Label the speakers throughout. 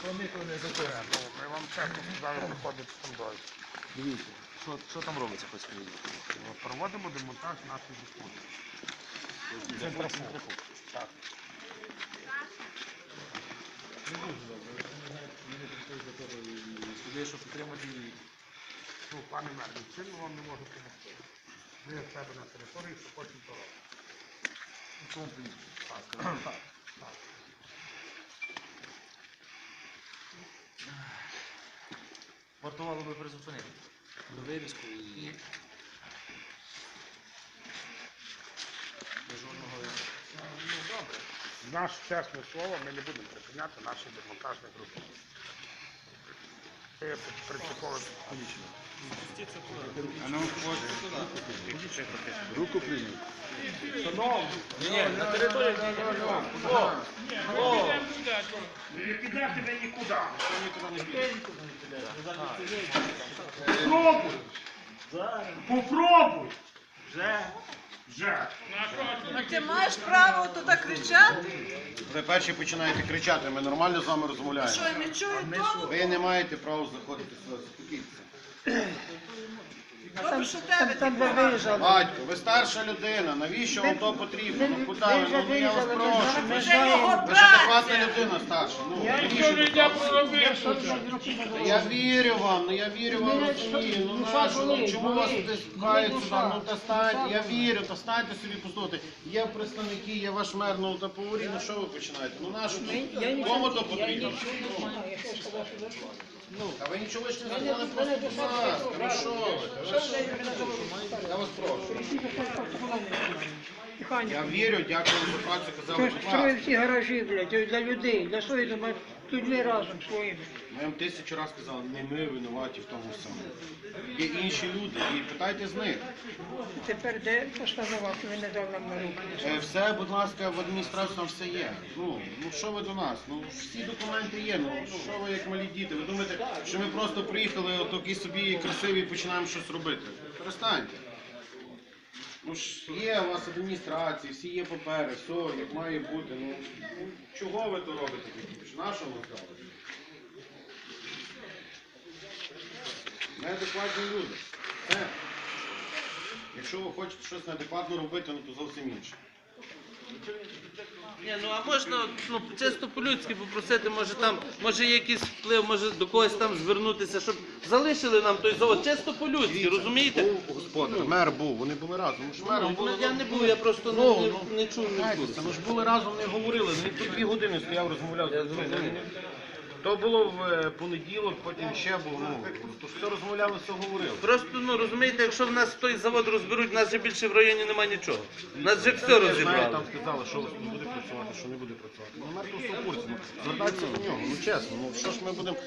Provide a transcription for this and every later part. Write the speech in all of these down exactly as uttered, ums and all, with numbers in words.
Speaker 1: Вони то не затягнуть.
Speaker 2: Ми вам чесно сказали, виходить з фондою.
Speaker 1: Дивіться, що, що там робиться, хоч скажіть?
Speaker 2: Проводимо демонтаж нашої дискусії.
Speaker 1: Це трафу.
Speaker 2: Так.
Speaker 1: Не дуже добре. Вони прийшли за того і сюди, щоб підтримати її.
Speaker 2: Ну, пане мер, чим ми вам не можемо допомогти? Ви в себе на території, що хочемо то робити.
Speaker 1: Комплекс.
Speaker 2: Так, так, так.
Speaker 1: Вартувало би призупинити. До вивіску і... До жодного...
Speaker 2: Ну, добре. Наше чесне слово, ми не будемо припиняти наші демонтажні групи. Це принципово.
Speaker 3: А ну, руку прийміть.
Speaker 1: Ні, ні, на території... О! О!
Speaker 2: Не підете ви нікуди.
Speaker 1: Попробуй!
Speaker 2: Попробуй!
Speaker 1: Вже!
Speaker 2: Вже!
Speaker 4: А ти маєш право тут так кричати?
Speaker 3: Ви перші починаєте кричати, ми нормально з вами
Speaker 4: Що,
Speaker 3: розмовляємо.
Speaker 4: я не чую тому?
Speaker 3: Ви не маєте права заходити сюди, заспокійтеся.
Speaker 4: Добре, що тебе таке.
Speaker 3: Батько, ви старша людина, навіщо вам то потрібно? Ну куди ви? Ну я вас прошу.
Speaker 4: Це його
Speaker 3: Ви ж адекватна
Speaker 4: праця.
Speaker 3: людина старша. Ну, навіщо ви то? Я вірю вам, ну я вірю вам, розумію. Ну нащо, ну чому вас пхають сюди? Ну та станьте, я вірю, та станьте собі послухайте. Є представники, є ваш мер, ну та поговоріть, ну що ви починаєте? Ну нащо тут? Кому то потрібно? А ви нічого ж не сказали, просто будь ласка, ну що ви? Ви що? Я вас прошу. Я вірю, дякую за працю, казали, будь
Speaker 5: Строїть
Speaker 3: ласка.
Speaker 5: всі гаражі, блядь, для людей, для своїх домашніх, людьми разом своїми.
Speaker 3: Ми вам тисячу разів казали, не ми винуваті в тому всьому. Є інші люди, і питайте з них.
Speaker 5: Тепер де постанова, що ви не дав нам на руки?
Speaker 3: Е, Все, будь ласка, в адміністрації там все є. Ну, ну що ви до нас? Ну всі документи є. Ну що ви як малі діти? Ви думаєте, що ми просто приїхали, отакі собі красиві і починаємо щось робити? Перестаньте. Ну ж є у вас адміністрації, всі є папери, все, як має бути. Ну, ну чого ви то робите такі? На що ви робите? Неадекватні люди. Все. Якщо ви хочете щось неадекватно робити, ну то зовсім інше.
Speaker 6: Ні, ну а можна ну, чисто по-людськи попросити, може там, може є якийсь вплив, може до когось там звернутися, щоб залишили нам той завод, чисто по-людськи, розумієте?
Speaker 3: Був господар, мер був, вони були разом. Ну, ж мером
Speaker 6: Ну,
Speaker 3: були,
Speaker 6: я не був, я просто не,
Speaker 3: Ну,
Speaker 6: не,
Speaker 3: ну,
Speaker 6: не чув, не
Speaker 3: знаєте,
Speaker 6: чув.
Speaker 3: це, ну ж були разом, не говорили. Він тут дві години стояв, розмовляв.
Speaker 6: Я
Speaker 3: з людьми.
Speaker 6: зрозумів.
Speaker 3: То було в е, понеділок, потім ще був. Ну, то ж все розмовляли, все говорили.
Speaker 6: Просто, ну розумієте, якщо в нас той завод розберуть, в нас же більше в районі немає нічого. В нас же все
Speaker 3: Я знаю,
Speaker 6: розібрали.
Speaker 3: там сказали, що не буде працювати, що не буде працювати. Ну, мер просто в курсі. Ну, звертайтеся до нього, ну чесно, ну що ж ми будемо...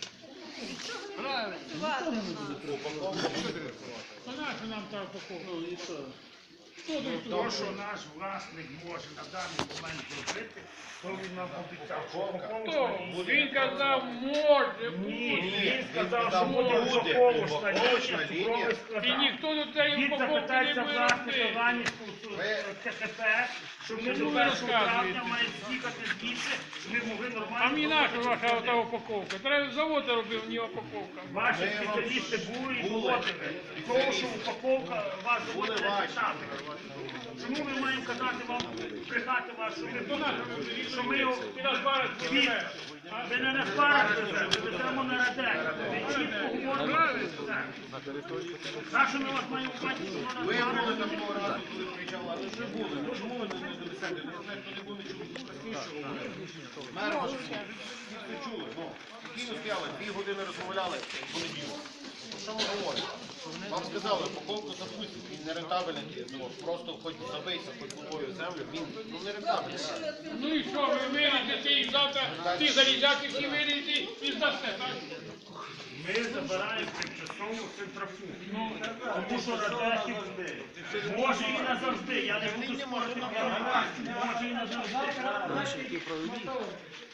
Speaker 2: То, що наш власник може на даний момент зробити, то він нам обіцяв. Що упаковочна
Speaker 7: Він казав, може
Speaker 2: Ні,
Speaker 7: бути.
Speaker 2: він сказав, що буде
Speaker 3: буде
Speaker 2: упаковочна
Speaker 3: упаковочна
Speaker 2: лінія,
Speaker 3: лінія.
Speaker 2: цукровий
Speaker 7: І
Speaker 2: склад.
Speaker 7: ніхто до цієї
Speaker 2: Він
Speaker 7: упаковки не
Speaker 2: запитається
Speaker 7: буде
Speaker 2: власника
Speaker 7: робити.
Speaker 2: Іванівського ТКП, щоб ми до
Speaker 7: ви
Speaker 2: першого травня
Speaker 7: розказуєте?
Speaker 2: мають з'їхати звідси, щоб ми могли нормально...
Speaker 7: А мені наша
Speaker 2: зробити
Speaker 7: ваша ота упаковка. Треба завод робив, не упаковка.
Speaker 2: Ваші спеціалісти були і доводили. Того, що упаковка вас
Speaker 3: Були
Speaker 2: буде
Speaker 3: ваші.
Speaker 2: читати. Чому ми маємо казати вам, брехати вас, що ми, що ми його
Speaker 7: Ти нас бариш,
Speaker 2: від... Ви не на парах везете, ви веземо на радек. Ви чітко говорите все. За що ми вас маємо бачити, що воно
Speaker 3: Ви
Speaker 2: на
Speaker 3: були там того разу, коли приїжджали, але вже були. Ну чому ви не донесете? Ну, знаєте, хто не був, не чув, простіше говорити. Мер ваш, всі це чули, ну. Спокійно стояли, дві години розмовляли в понеділок. Ну, що ми говоримо? Вам сказали, упаковку запустять, він не рентабельний, ну, просто хоч забийся, хоч головою в землю, він ну, не рентабельний.
Speaker 7: Ну і що, ви виріжете і завтра ті залізяки всі виріжете і здасте, так?
Speaker 2: Ми забираємо тимчасову центрофугу. Тому що радехів може і назавжди. Я не буду спорити, може і назавжди.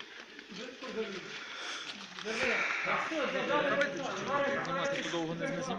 Speaker 1: Знімати довго не знімати.